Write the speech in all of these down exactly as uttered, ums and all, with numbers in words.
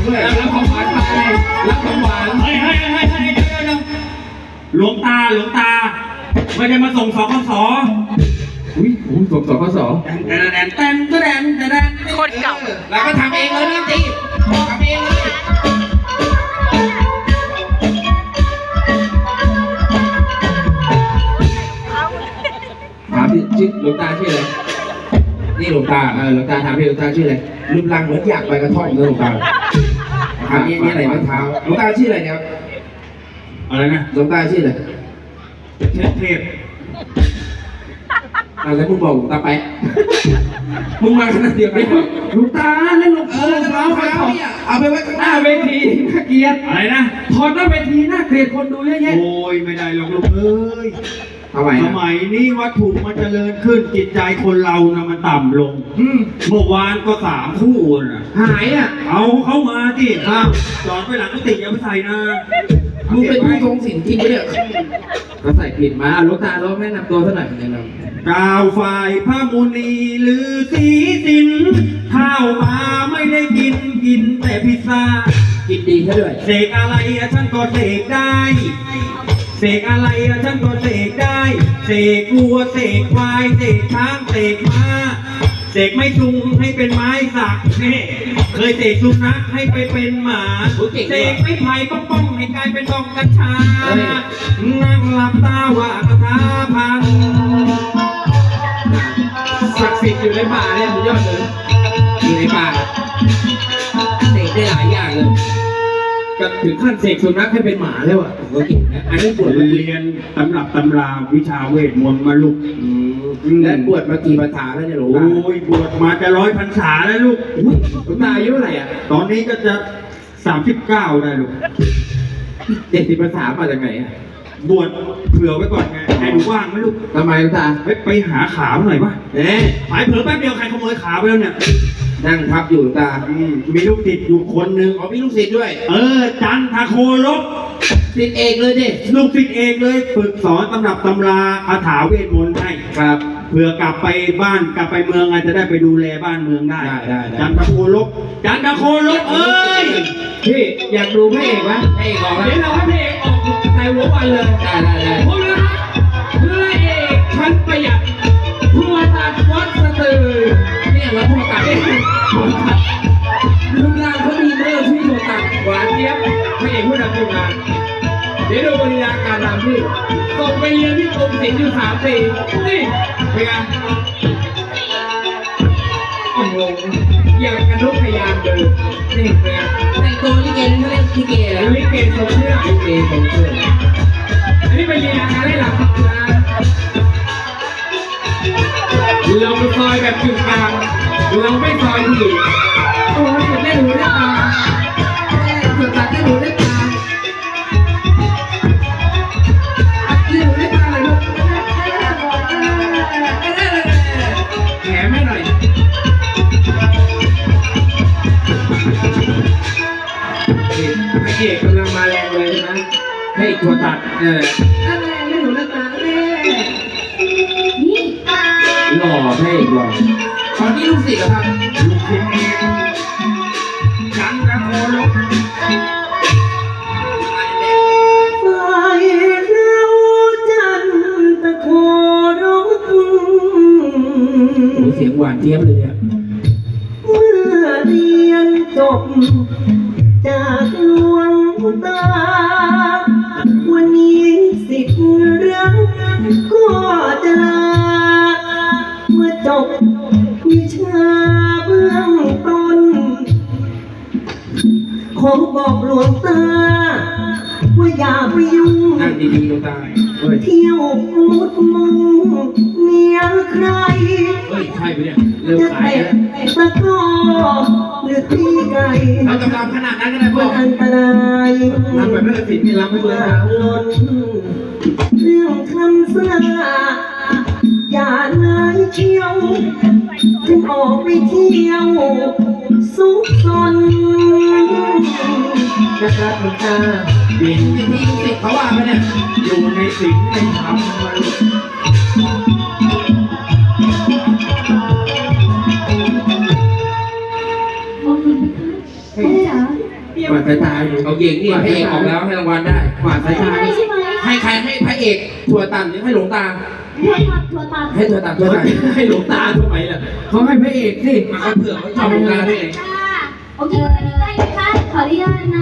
ด้วยรับของหวานไปรับของหวานเฮ้ยเฮ้ยเฮ้ยเฮ้ยเดี๋ยวเดี๋ยวหลวงตาหลวงตาไม่ได้มาส่งสคสอุ้ยผมส่งสคสแตนแตนแตนแตนแตนโคตรเก่าแล้วก็ทำเองเลยนี่ตีทำเองเลยถามพี่ชื่อหลวงตาชื่ออะไรนี่หลวงตาเออหลวงตาถามพี่หลวงตาชื่ออะไรรูปร่างเหมือนอยากไปกระท่อมเลยหลวงตาถามนี่นี่อะไรไม้เท้าหลวงตาชื่ออะไรเนี่ยอะไรนะหลวงตาชื่ออะไรเทพเทพอะไรมึงบอกหลวงตาไปมึงมาขนาดเดียวกันหลวงตาเล่นหลวงเออเท้าเท้าเนี่ยเอาไปไว้ข้างหน้าเวทีน่าเกลียดอะไรนะถอดหน้าเวทีน่าเกลียดคนดูเยอะแยะโอ้ยไม่ได้หรอกลูกเอ้ยทำไมสมัยนี้วัตถุมันเจริญขึ้นจิตใจคนเรานะมันต่ำลงเมื่อวานก็สามคู่นะหายอ่ะเอาเข้ามาสิจอดไปหลังกุฏิอย่าไปใส่นะมึงเป็นผู้ทรงศีลจริงปะเนี่ยก็ใส่ผิดมาลูกตาเราแนะนำตัวเท่าไหร่แนะนำกล่าวฝ่ายพระมุนีหรือสีสินข้าวมาไม่ได้กินกินแต่พิซซ่ากินดีแค่ด้วยเสกอะไรฉันก็เสกได้เสกอะไรฉันก็เสกได้เสกวัวเสกควายเสกช้างเสกม้าเสกไม่ซุงให้เป็นไม้สักเนี่ยเคยเสกสุนัขให้ไปเป็นหมาเสกไม่ไผ่ป้องป้องให้กลายเป็นดอกกัญชานั่งหลับตาว่าคาถาพันศักดิ์สิทธิ์อยู่ในป่าเนี่ยสุดยอดเลยอยู่ในป่าเสกได้หลายอย่างเลยก็ถึงขั้นเสกสุนัขให้เป็นหมาแล้วอ่ะผมก็เก่งนะอันนี้บวชเรียนตำรับตำราวิชาเวทมนต์มาลูกและบวชมากี่พรรษาแล้วเนี่ยหลวงตาโอ้ยบวชมาจะร้อยพรรษาแล้วลูกหลวงตาอายุเท่าไหร่อ่ะตอนนี้ก็จะสามสิบเก้าได้ลูกเจ็ดสิบพรรษามาจากไหนอ่ะบวชเผื่อไว้ก่อนไงให้ดูว่างไหมลูกทำไมหลวงตาไปไปหาขาหน่อยป่ะเอ๊ะหมายเผื่อแป๊บเดียวใครขโมยขาไปแล้วเนี่ยนั่งทับอยู่หลวงตามีลูกศิษย์อยู่คนหนึ่งอ๋อมีลูกศิษย์ด้วยเออจันทโคลบศิษย์เอกเลยดิลูกศิษย์เอกเลยฝึกสอนตำรับตำราคาถาเวทมนต์ให้ครับเผื่อกลับไปบ้านกลับไปเมืองอาจจะได้ไปดูแลบ้านเมืองได้ได้จันทโคลบจันทโคลบเอ้ยพี่อยากดูพระเอกไหมพระเอกออกเดี๋ยวเราให้พระเอกออกในหัววันเลยได้ได้ได้พวกเราพระเอกชั้นประหยัดทัวตัดวัดสตือเนี่ยเราทัวตัดรูปร่างเขาดีมากที่ทัวตัดหวานเจี๊ยบพระเอกผู้นำทีมงานเดี๋ยวดูบริยาการรำที่ส่งไปเรียนที่กรมศิลป์อยู่สามปีนี่เป็นไงโอ้โหอย่างกระนุกพยายามเดินนี่เป็นไงแต่งตัวลิเกเขาเรียกลิเกแล้วลิเกทรงเครื่องลิเกทรงเครื่องอันนี้เป็นลีลาการได้หลับนะเราไปซอยแบบจุดกลางเราไม่ซอยถี่โอ้ยได้หูได้ตาสุดตัดได้หูได้ตาได้หูได้ตาเลยลูกแหมไม่หน่อยไอ้เอกกำลังมาแรงเลยใช่ไหมให้ตัวตัดเอออะไรได้หูได้ตาแม่นี่หล่อให้อีกหล่อตอนนี้ลูกศิษย์เหรอครับลูกศิษย์เองจันทโคลบฝ่ายเราจันทโคลบโอ้เสียงหวานเจี๊ยบเลยเนี่ยเมื่อเรียนจบจากหลวงตาวันนี้ศิษย์รักก็จะลาเมื่อจบวิชาเบื้องต้นขอบอกหลวงตาว่าอย่าไปยุ่งนั่งดีๆหลวงตาเที่ยวมุดมุงเมียใครเฮ้ยใช่ปะเนี่ยเริ่มสายแล้วตะกอหรือตีไก่เรากำลังขนาดนั้นก็ได้พ่ออันตรายทำแบบนั้นศิษย์นี่รับไม่ได้ล้นเรื่องคำสาอย่านายเที่ยวถึงออกไปเที่ยวสุขสนนะครับหลวงตาบินที่ที่ศิษย์เขาว่าไหมเนี่ยอยู่ในศีลในธรรมมาลูกพ่อจ๋ากวาดสายตาอยู่เอาเก่งนี่พระเอกออกแล้วให้รางวัลได้กวาดสายตาใช่ใช่ไหมให้ใครให้พระเอกถั่วตันหรือให้หลวงตาถั่วตัดถั่วตัดให้ถั่วตันถั่วตันให้หลวงตาทำไมล่ะเขาให้พระเอกสิมาเขาเผื่อเขาชอบหลวงตาได้ไงค่ะโอเคได้ค่ะขออนุญาตนะ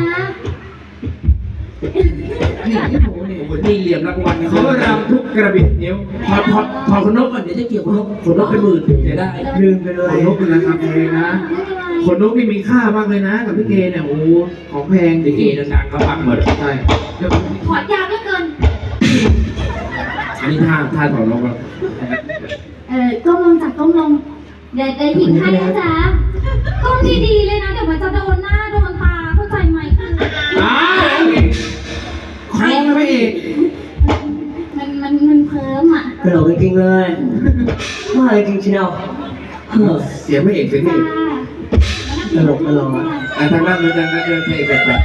นี่โอ้โหนี่เหลี่ยมรางวัลเขารำทุกกระบิดนิ้วพอพอพอคนนกก่อนเดี๋ยวจะเกี่ยวคนนกคนนกเป็นหมื่นเดี๋ยวได้ลืมไปเลยคนนกเป็นราคาแพงนะคนนกนี่มีค่ามากเลยนะกับพี่เกเนี่ยโอ้ของแพงพี่เกดังๆเขาปักหมดใช่เดี๋ยวขอยาวเหลือเกินอันนี้ท่าท่าถอนนกแล้วเออก้มลงจากก้มลงเดี๋ยวเดี๋ยวหญิงให้นะจ๊ะก้มดีๆเลยนะเดี๋ยวมันจะโดนหน้าโดนตาเข้าใจไหมคืออ้าวคล้องพระเอกมันมันมันเพิ่มอ่ะตลกจริงๆเลยว่าอะไรจริงเชียวเฮ้อเสียงพระเอกเสียงพระจ้าเอกตลกตลกอ่ะอ่ะทางด้านนู้นทางด้านนู้นพระเอกแบบแบบ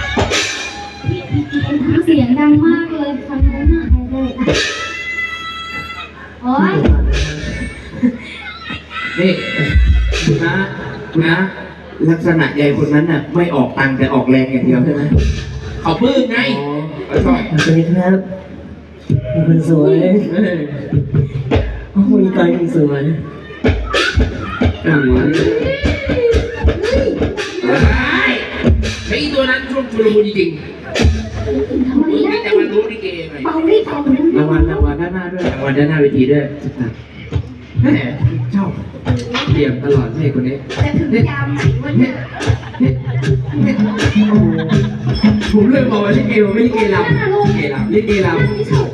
เสียงดังมากเลยทำได้หน้าเลยโอ๊ยนี่คุณนะคุณนะลักษณะใหญ่คนนั้นน่ะไม่ออกตังค์แต่ออกแรงอย่างเดียวใช่ไหมเขาปื้มไงเขาชอบสวัสดีครับเป็นคนสวยเออโอ้ยตายคนสวยเออไอ้ตัวนั้นช่วงชุลมุนจริงทำไมๆได้แต่มันรู้ลิเกไงเบาดิเบารางวัลรางวัลด้านหน้าด้วยรางวัลด้านหน้าเวทีด้วยแหมชอบเตรียมตลอดให้คนนี้จะถึงยามไหนวะเนี่ยผมเลยบอกว่าลิเกมันไม่ลิเกลำลิเกลำลิเกลำ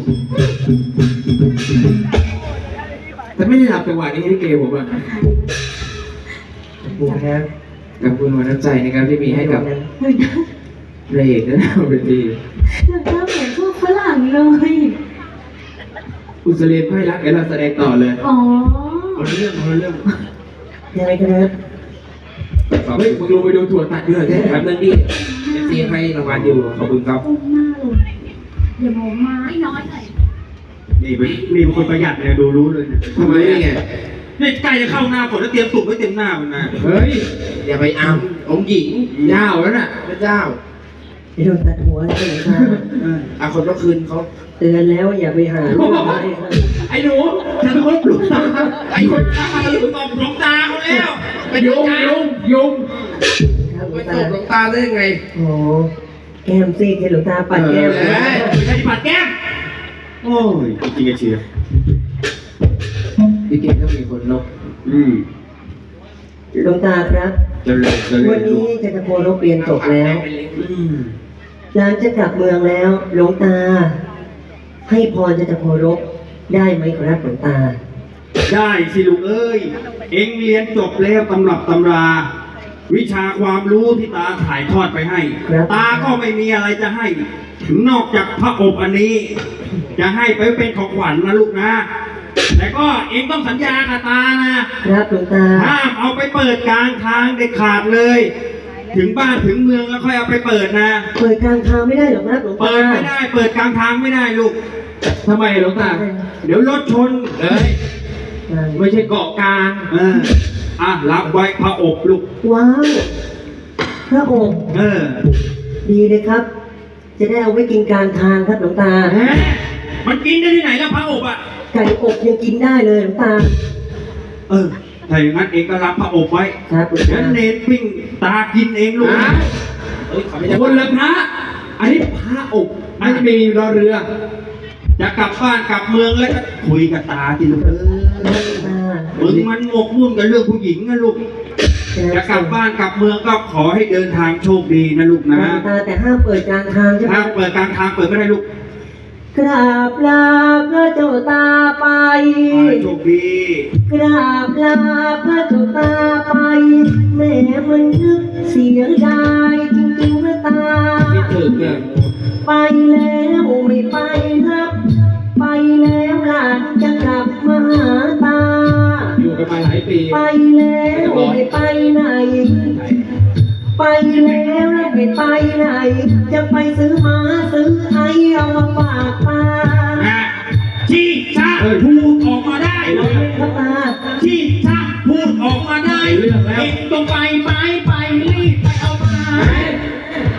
แต่ไม่ได้รับจังหวะนี้ลิเกผมอ่ะขอบคุณครับขอบคุณหัวน้ำใจนะครับที่มีให้กับพระเอกด้านหน้าเวทีหน้าเหมือนพวกฝรั่งเลยอุสเลนไพ่รักเดี๋ยวเราแสดงต่อเลยอ๋อคนละเรื่องคนละเรื่องยังไงครับเฮ้ยมึงลงไปดูถั่วตัดด้วยแค่แป๊บนึงดิเอฟซีให้รางวัลอยู่ขอบคุณครับก้มหน้าลงอย่ามองมาให้น้อยหน่อยนี่เป็นนี่เป็นคนประหยัดเนี่ยดูรู้เลยนะทำไมไงนี่ใกล้จะเข้าหน้าฝนแล้วเตรียมตุ่มไว้เต็มหน้ามันนะเฮ้ยอย่าไปอ้ํองค์หญิงเจ้าแล้วน่ะพระเจ้าไอ้โดนตัดหัวใช่ไหมครับอาคนเมื่อคืนเขาเตือนแล้วอย่าไปหาลูกไม้ครับไอ้หนูฉันคนปลุกตาไอ้คนตาหรือตบหลวงตาเขาแล้วไปยุงยุงยุงครับหลไปวงตตาบหลวงตาได้ยังไงโอ้แก้มซีดที่หลวงตาปัดแก้มเอเลยอไม่ใช่ปัดแก้มโอ้ยจริงๆเชียร์พี่เก่งต้องมีคนลบอืมหลวงตาครับเจะเลยจะเลวันยนี้จันทโครบเรียนจบแล้วอืมหลังจะกลับเมืองแล้วหลวงตา ให้พรจันทโครบได้ไหมครับหลวงตาได้สิลูกเอ้ย เอ็งเรียนจบแล้วตำรับตำรา วิชาความรู้ที่ตาถ่ายทอดไปให้ครับตาก็ไม่มีอะไรจะให้ นอกจากพระอบอันนี้ จะให้ไปเป็นของขวัญนะลูกนะ แต่ก็เอ็งต้องสัญญากับตานะครับหลวงตาห้ามเอาไปเปิดกลางทางเด็ดขาดเลย ถึงบ้านถึงเมืองแล้วค่อยเอาไปเปิดนะเปิดกลางทางไม่ได้หรอกครับหลวงตาเปิดไม่ได้ เปิดกลางทางไม่ได้ลูกทำไมหลวงตาเดี๋ยวรถชนเอ้ยไม่ใช่เกาะกลางเอออ่ะรับไว้พระอบลูกว้าว พระองค์เออดีเลยครับ จะได้เอาไว้กินกลางทางครับหลวงตาแหมมันกินได้ที่ไหนแล้วพระอบอ่ะไก่อบยังกินได้เลยหลวงตาเออ ถ้าอย่างนั้นเองก็รับพระอบไว้ครับหลวงเดี๋ยวตาเนรปิ้งตากินเองลูกฮะ เฮ้ยขอไม่ใช่คนละพระ อันนี้พระอกอันนี้ไม่มีรอเรือจะกลับบ้านกลับเมืองแล้วก็คุยกับตาที่ลูกเออมึงมันหมกมุ่นกับเรื่องผู้หญิงนะลูก จะกลับบ้านกลับเมืองก็ขอให้เดินทางโชคดีนะลูกหลนะวงตาแต่ห้ามเปิดกลางทางใช่ไหมถ้าเปิดกลางทางเปิดไม่ได้ลูกกราบลาพระเจ้าตาไปขอให้โชคดีกราบลาพระเจ้าตาไป แม่มันนึกเสียดายจริงๆนะตาคิดถึงเนี่ยไปแล้วไม่ไปรับ ไปแล้วหลานจะกลับมาหาตาอยู่กันมาหลายปีไปแล้วไม่ไปไหน ไปแล้วแล้วไม่ไปไหน จะไปซื้อมาซื้อไอเอามาฝากตานะที่ถ้าพูดออกมาได้ครับตาที่ถ้าพูดออกมาได้เองต้องไปไปไปรีบไปเอามา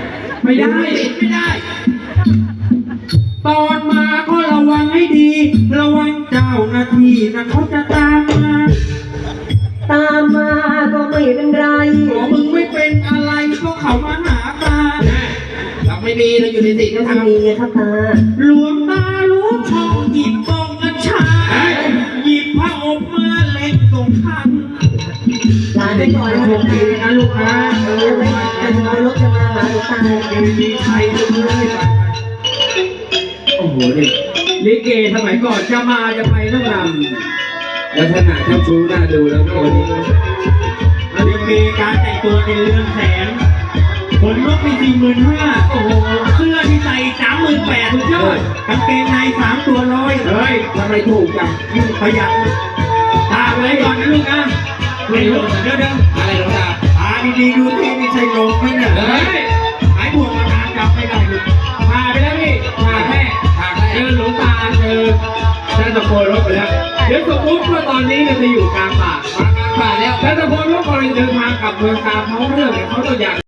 ไม่ได้ไม่ได้ ตอนมาก็ระวังให้ดี ระวังเจ้าหน้าที่นะเขาจะตามมาตามมาก็ไม่เป็นไรหัวมึงไม่เป็นอะไรก็เขามาหาตาเราไม่มีเราอยู่ในสิ่งที่ทำทำดีไงครับตาหลวงตารู้ช่องหยิบบ้องกัญชาหยิบผ้าอบมาเล็กส่งทันหลานไปก่อนนะโชคดีนะลูกนะเออไม่จะนอนรถจะมาหาหลวงตามีใครจะรู้เลยโอ้โหนี่ลิเกสมัยก่อนจะมาจะไปต้องรำลักษณะเจ้าชู้น่าดูแล้วตัวนี้มันยังมีการแต่งตัวในเรืองแสงขนนกมีสี่หมื่นห้าโอ้โหเสื้อที่ใส่สามหมื่นแปดสุดยอดกางเกงในสามตัวร้อยเฮ้ยทำไมถูกจังประหยัดตาไว้ก่อนนะลูกนะเดี๋ยวเดี๋ยวเดี๋ยวอะไรหรอตาตาดีๆดูที่นี่ใช่ลงไหมเนี่ยเฮ้ยหายห่วงมาทางจับไม่ได้ลูกพาไปแล้วพี่พาแม่พาเจอหลวงตาเจอท่านตะโกนรถไปแล้วเดี๋ยวสมมติว่าตอนนี้เราจะอยู่กลางป่ามากลางป่าแล้วท่านตะโกนรถกำลังเดินทางกลับเมืองตามท้องเรื่องเนี่ยเขาต้องอยาก